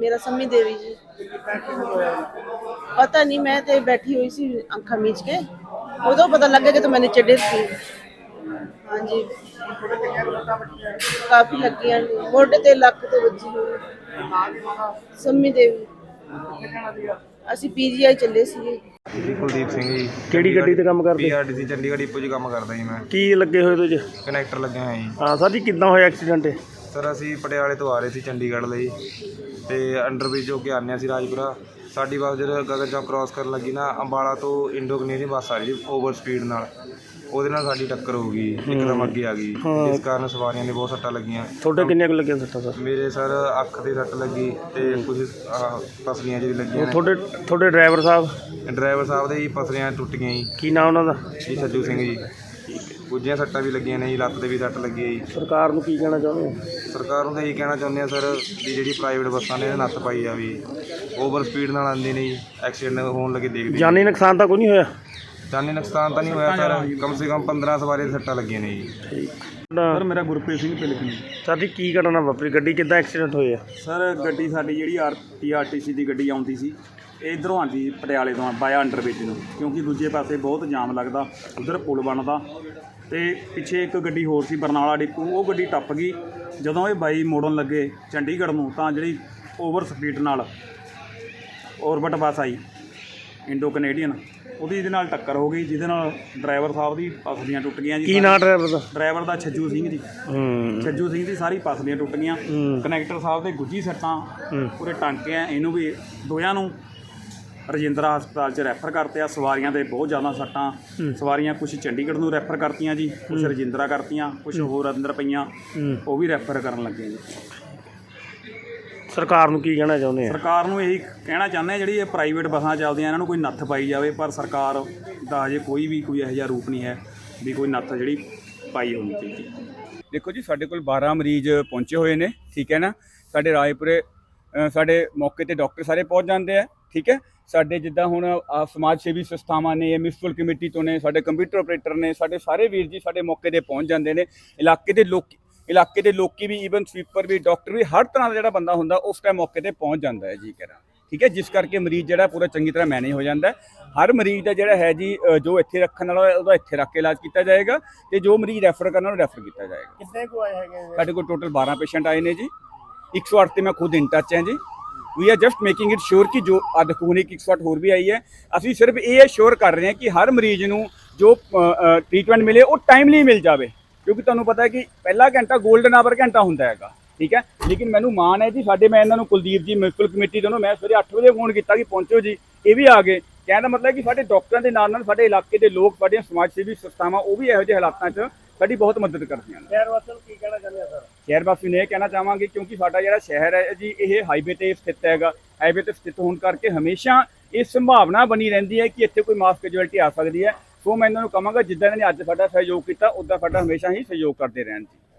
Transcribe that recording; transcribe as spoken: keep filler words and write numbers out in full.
मेरा सम्मी देवी जी। पता नहीं, मैं तो बैठी हुई सी अखा मीच के, उदों पता लगे कि तो मैं नीचे डिग गई। हाँ जी, काफी लगियां ने, मोढे ते लक ते वजी हुई। सम्मी देवी। ਅਸੀਂ ਪੀਜੀਆਈ ਚੱਲੇ ਸੀਗੇ। ਜੀ ਕੁਲਦੀਪ ਸਿੰਘ ਜੀ। ਕਿਹੜੀ ਗੱਡੀ ਤੇ ਕੰਮ ਕਰਦੇ? ਪੀਆਰਟੀਸੀ ਚੰਡੀਗੜ੍ਹ ਡਿਪੂ 'ਚ ਕੰਮ ਕਰਦਾ ਜੀ ਮੈਂ। ਕੀ ਲੱਗੇ ਹੋਏ ਤੁਸੀਂ? ਕਨੈਕਟਰ ਲੱਗਿਆ ਹੋਇਆ ਜੀ। ਹਾਂ ਸਰ ਜੀ, ਕਿੱਦਾਂ ਹੋਇਆ ਐਕਸੀਡੈਂਟ? ਸਰ ਅਸੀਂ ਪਟਿਆਲੇ ਤੋਂ ਆ ਰਹੇ ਸੀ ਚੰਡੀਗੜ੍ਹ ਲਈ, ਤੇ ਅੰਡਰਬ੍ਰਿਜ ਹੋ ਕੇ ਆਉਂਦੇ ਸੀ ਰਾਜਪੁਰਾ। ਸਾਡੀ ਬੱਸ ਜਦੋਂ ਗਗਨ ਚੌਕ ਕ੍ਰਾਸ ਕਰਨ ਲੱਗੀ ਨਾ, ਅੰਬਾਲਾ ਤੋਂ ਇੰਡੋ ਕਨੇਡੀ ਬੱਸ ਆ ਰਹੀ ਸੀ ਓਵਰ ਸਪੀਡ ਨਾਲ, ਉਹਦੇ ਨਾਲ ਸਾਡੀ ਟੱਕਰ ਹੋ ਗਈ, ਇੱਕਦਮ ਅੱਗੇ ਆ ਗਈ, ਇਸ ਕਾਰਨ ਸਵਾਰੀਆਂ ਨੇ ਬਹੁਤ ਸੱਟਾਂ ਲੱਗੀਆਂ। ਤੁਹਾਡੇ ਕਿੰਨੀਆਂ ਕੁ ਲੱਗੀਆਂ ਸੱਟਾਂ ਸਰ? ਮੇਰੇ ਸਰ ਅੱਖ ਤੇ ਸੱਟ ਲੱਗੀ ਤੇ ਕੁਝ ਪਸਲੀਆਂ ਜਿਹੜੀ ਲੱਗੀਆਂ ਨੇ। ਤੁਹਾਡੇ ਤੁਹਾਡੇ ਡਰਾਈਵਰ ਸਾਹਿਬ? ਡਰਾਈਵਰ ਸਾਹਿਬ ਦੇ ਜੀ ਪਸਲੀਆਂ ਟੁੱਟ ਗਈਆਂ ਜੀ। ਕੀ ਨਾਮ ਉਹਨਾਂ ਦਾ? ਜੀ ਸੱਜੂ ਸਿੰਘ ਜੀ। ਕੁਝੀਆਂ ਸੱਟਾਂ ਵੀ ਲੱਗੀਆਂ ਨੇ ਜੀ, ਲੱਤ ਤੇ ਵੀ ਸੱਟ ਲੱਗੀ ਹੈ ਜੀ। ਸਰਕਾਰ ਨੂੰ ਕੀ ਕਹਿਣਾ ਚਾਹੁੰਦੇ ਹੋ? ਸਰਕਾਰ ਨੂੰ ਤਾਂ ਇਹੀ ਕਹਿਣਾ ਚਾਹੁੰਦੇ ਆ ਸਰ ਵੀ ਜਿਹੜੀ ਪ੍ਰਾਈਵੇਟ ਬੱਸਾਂ ਨੇ ਨੱਥ ਪਾਈ ਜਾਵੇ, ਓਵਰ ਸਪੀਡ ਨਾਲ ਆਉਂਦੇ ਨੇ ਜੀ, ਐਕਸੀਡੈਂਟ ਹੋਣ ਲੱਗੇ ਦੇਖਦੇ। ਜਾਨੀ ਨੁਕਸਾਨ ਤਾਂ ਕੋਈ ਨਹੀਂ ਹੋਇਆ? ਜਾਨੀ ਨੁਕਸਾਨ ਤਾਂ ਨਹੀਂ ਹੋਇਆ ਸਰ, ਕਮ ਸੇ ਕਮ ਪੰਦਰਾਂ ਸਵਾਰੀ ਸੱਟਾਂ ਲੱਗੀਆਂ ਨੇ ਜੀ। ਠੀਕ ਸਰ ਮੇਰਾ ਗੁਰਪ੍ਰੀਤ ਸਿੰਘ ਪਿਲਕਣੀ। ਸਰ ਜੀ ਕੀ ਘਟਨਾ ਵਾਪਰੀ? ਗੱਡੀ ਕਿੱਦਾਂ ਐਕਸੀਡੈਂਟ ਹੋਇਆ? ਸਰ ਗੱਡੀ ਸਾਡੀ ਜਿਹੜੀ R T R T C ਦੀ ਗੱਡੀ ਆਉਂਦੀ ਸੀ, ਇੱਧਰੋਂ ਆਉਂਦੀ ਪਟਿਆਲੇ ਤੋਂ ਬਾਇਆ ਅੰਡਰਬ੍ਰਿਜ ਨੂੰ, ਕਿਉਂਕਿ ਦੂਜੇ ਪਾਸੇ ਬਹੁਤ ਜਾਮ ਲੱਗਦਾ, ਉਧਰ ਪੁਲ ਬਣਦਾ, ਅਤੇ ਪਿੱਛੇ ਇੱਕ ਗੱਡੀ ਹੋਰ ਸੀ ਬਰਨਾਲਾ ਡਿਪੂ, ਉਹ ਗੱਡੀ ਟੱਪ ਗਈ। ਜਦੋਂ ਇਹ ਬਾਈ ਮੋੜਨ ਲੱਗੇ ਚੰਡੀਗੜ੍ਹ ਨੂੰ, ਤਾਂ ਜਿਹੜੀ ਓਵਰ ਸਪੀਡ ਨਾਲ ਔਰਬਿਟ ਬੱਸ ਆਈ ਇੰਡੋ ਕਨੇਡੀਅਨ, ਉਹਦੀ ਇਹਦੇ ਨਾਲ ਟੱਕਰ ਹੋ ਗਈ, ਜਿਹਦੇ ਨਾਲ ਡਰਾਈਵਰ ਸਾਹਿਬ ਦੀ ਪਸਲੀਆਂ ਟੁੱਟ ਗਈਆਂ ਜੀ। ਕੀ ਨਾਂ ਡਰਾਈਵਰ ਦਾ? ਡਰਾਈਵਰ ਦਾ ਛੱਜੂ ਸਿੰਘ ਜੀ। ਛੱਜੂ ਸਿੰਘ ਦੀ ਸਾਰੀ ਪਸਲੀਆਂ ਟੁੱਟ ਗਈਆਂ। ਕਨੈਕਟਰ ਸਾਹਿਬ ਦੇ ਗੁੱਜੀ ਸੱਟਾਂ, ਪੂਰੇ ਟਾਂਕੇ ਆ, ਇਹਨੂੰ ਵੀ ਦੋਹਾਂ ਨੂੰ ਰਜਿੰਦਰਾ ਹਸਪਤਾਲ 'ਚ ਰੈਫਰ ਕਰਤੇ ਆ। ਸਵਾਰੀਆਂ ਦੇ ਬਹੁਤ ਜ਼ਿਆਦਾ ਸੱਟਾਂ, ਸਵਾਰੀਆਂ ਕੁਛ ਚੰਡੀਗੜ੍ਹ ਨੂੰ ਰੈਫਰ ਕਰਤੀਆਂ ਜੀ, ਕੁਛ ਰਜਿੰਦਰਾ ਕਰਤੀਆਂ, ਕੁਛ ਹੋਰ ਅੰਦਰ ਪਈਆਂ, ਉਹ ਵੀ ਰੈਫਰ ਕਰਨ ਲੱਗੇ ਜੀ। ਸਰਕਾਰ ਨੂੰ ਕੀ ਕਹਿਣਾ ਚਾਹੁੰਦੇ ਆ? ਸਰਕਾਰ ਨੂੰ ਇਹੀ ਕਹਿਣਾ ਚਾਹੁੰਦੇ ਆ, ਜਿਹੜੀ ਇਹ ਪ੍ਰਾਈਵੇਟ ਬੱਸਾਂ ਚੱਲਦੀਆਂ ਇਹਨਾਂ ਨੂੰ ਕੋਈ ਨੱਥ ਪਾਈ ਜਾਵੇ, ਪਰ ਸਰਕਾਰ ਦਾ ਅਜੇ ਕੋਈ ਵੀ ਕੋਈ ਇਹੋ ਜਿਹਾ ਰੂਪ ਨਹੀਂ ਹੈ ਵੀ ਕੋਈ ਨੱਥ ਜਿਹੜੀ ਪਾਈ ਹੋਣੀ ਚਾਹੀਦੀ। ਦੇਖੋ ਜੀ, ਸਾਡੇ ਕੋਲ ਬਾਰਾਂ ਮਰੀਜ਼ ਪਹੁੰਚੇ ਹੋਏ ਨੇ, ਠੀਕ ਹੈ ਨਾ। ਸਾਡੇ ਰਾਏਪੁਰੇ ਸਾਡੇ ਮੌਕੇ ਤੇ ਡਾਕਟਰ ਸਾਰੇ ਪਹੁੰਚ ਜਾਂਦੇ ਆ, ਠੀਕ ਹੈ। ਸਾਡੇ ਜਿੱਦਾਂ ਹੁਣ ਸਮਾਜ ਸੇਵੀ ਸੰਸਥਾਵਾਂ ਨੇ, ਮਿਊਨਿਸਪਲ ਕਮੇਟੀ ਤੋਂ ਨੇ, ਸਾਡੇ ਕੰਪਿਊਟਰ ਆਪਰੇਟਰ ਨੇ, ਸਾਡੇ ਸਾਰੇ ਵੀਰ ਜੀ ਸਾਡੇ ਮੌਕੇ ਤੇ ਪਹੁੰਚ ਜਾਂਦੇ ਨੇ। ਇਲਾਕੇ ਦੇ ਲੋਕ ਇਲਾਕੇ ਦੇ ਲੋਕੀ ਵੀ, ਈਵਨ ਸਵੀਪਰ ਵੀ, ਡਾਕਟਰ ਵੀ, ਹਰ ਤਰ੍ਹਾਂ ਦਾ ਜਿਹੜਾ ਬੰਦਾ ਹੁੰਦਾ ਉਸ ਟਾਈਮ ਮੌਕੇ ਤੇ ਪਹੁੰਚ ਜਾਂਦਾ ਹੈ ਜੀ ਕਰਾਂ, ਠੀਕ ਹੈ। ਜਿਸ ਕਰਕੇ ਮਰੀਜ਼ ਜਿਹੜਾ ਪੂਰਾ ਚੰਗੀ ਤਰ੍ਹਾਂ ਮੈਨੇਜ ਹੋ ਜਾਂਦਾ ਹੈ। ਹਰ ਮਰੀਜ਼ ਦਾ ਜਿਹੜਾ ਹੈ ਜੀ, ਜੋ ਇੱਥੇ ਰੱਖਣ ਵਾਲਾ ਉਹਦਾ ਇੱਥੇ ਰੱਖ ਕੇ ਇਲਾਜ ਕੀਤਾ ਜਾਏਗਾ, ਤੇ ਜੋ ਮਰੀਜ਼ ਰੈਫਰ ਕਰਨ ਵਾਲਾ ਰੈਫਰ ਕੀਤਾ ਜਾਏਗਾ। ਕਿੰਨੇ ਕੁ ਆਏ ਹੈਗੇ? ਸਾਡੇ ਕੋਲ ਟੋਟਲ ਬਾਰਾਂ ਪੇਸ਼ੈਂਟ ਆਏ ਨੇ ਜੀ। ਇੱਕ ਸੌ ਅੱਠ ਤੇ ਮੈਂ ਖੁਦ ਇਨ ਟੱਚ ਹਾਂ ਜੀ। We are just making it sure ਕਿ ਜੋ ਅੱਜ ਖੂਨ ਇੱਕ ਸੌ ਅੱਠ ਹੋਰ ਵੀ ਆਈ ਹੈ, ਅਸੀਂ ਸਿਰਫ ਇਹ ਸ਼ੋਰ ਕਰ ਰਹੇ ਹਾਂ ਕਿ ਹਰ ਮਰੀਜ਼ ਨੂੰ ਜੋ ਟ੍ਰੀਟਮੈਂਟ ਮਿਲੇ ਉਹ ਟਾਈਮਲੀ ਮਿਲ ਜਾਵੇ, ਕਿਉਂਕਿ ਤੁਹਾਨੂੰ ਪਤਾ ਹੈ ਕਿ ਪਹਿਲਾ ਘੰਟਾ ਗੋਲਡਨ ਆਵਰ ਘੰਟਾ ਹੁੰਦਾ ਹੈਗਾ, ਠੀਕ ਹੈ। ਲੇਕਿਨ ਮੈਨੂੰ ਮਾਣ ਹੈ ਜੀ, ਸਾਡੇ ਮੈਂ ਇਹਨਾਂ ਨੂੰ ਕੁਲਦੀਪ ਜੀ ਮਿਊਨਿਸਪਲ ਕਮੇਟੀ ਤੋਂ ਮੈਂ ਸਵੇਰੇ ਅੱਠ ਵਜੇ ਫੋਨ ਕੀਤਾ ਕਿ ਪਹੁੰਚੋ ਜੀ, ਇਹ ਵੀ ਆ ਗਏ। ਕਹਿਣ ਦਾ ਮਤਲਬ ਕਿ ਸਾਡੇ ਡਾਕਟਰਾਂ ਦੇ ਨਾਲ ਨਾਲ ਸਾਡੇ ਇਲਾਕੇ ਦੇ ਲੋਕ, ਸਾਡੀਆਂ ਸਮਾਜ ਸੇਵੀ ਸੰਸਥਾਵਾਂ, ਉਹ ਵੀ ਇਹੋ ਜਿਹੇ ਹਾਲਾਤਾਂ 'ਚ ਸਾਡੀ ਬਹੁਤ ਮਦਦ ਕਰਦੀਆਂ ਨੇ। ਸ਼ਹਿਰ ਵਾਸੀਆਂ ਨੂੰ ਕੀ ਕਹਿਣਾ ਚਾਹੁੰਦੇ ਆ ਸਰ? ਸ਼ਹਿਰ ਵਾਸੀ ਨੂੰ ਇਹ ਕਹਿਣਾ ਚਾਹਾਂਗੇ, ਕਿਉਂਕਿ ਸਾਡਾ ਜਿਹੜਾ ਸ਼ਹਿਰ ਹੈ ਜੀ, ਇਹ ਹਾਈਵੇ ਤੇ ਸਥਿਤ ਹੈਗਾ। ਹਾਈਵੇ ਤੇ ਸਥਿਤ ਹੋਣ ਕਰਕੇ ਹਮੇਸ਼ਾ ਇਹ ਸੰਭਾਵਨਾ ਬਣੀ ਰਹਿੰਦੀ ਹੈ ਕਿ ਇੱਥੇ ਕੋਈ ਮਾਸ ਕੈਜੁਅਲਟੀ ਆ ਸਕਦੀ ਹੈ। ਸੋ ਮੈਂ ਇਹਨਾਂ ਨੂੰ ਕਹਾਂਗਾ, ਜਿੱਦਾਂ ਇਹਨਾਂ ਨੇ ਅੱਜ ਸਾਡਾ ਸਹਿਯੋਗ ਕੀਤਾ, ਉੱਦਾਂ ਸਾਡਾ ਹਮੇਸ਼ਾ ਹੀ ਸਹਿਯੋਗ ਕਰਦੇ ਰਹਿਣ ਜੀ।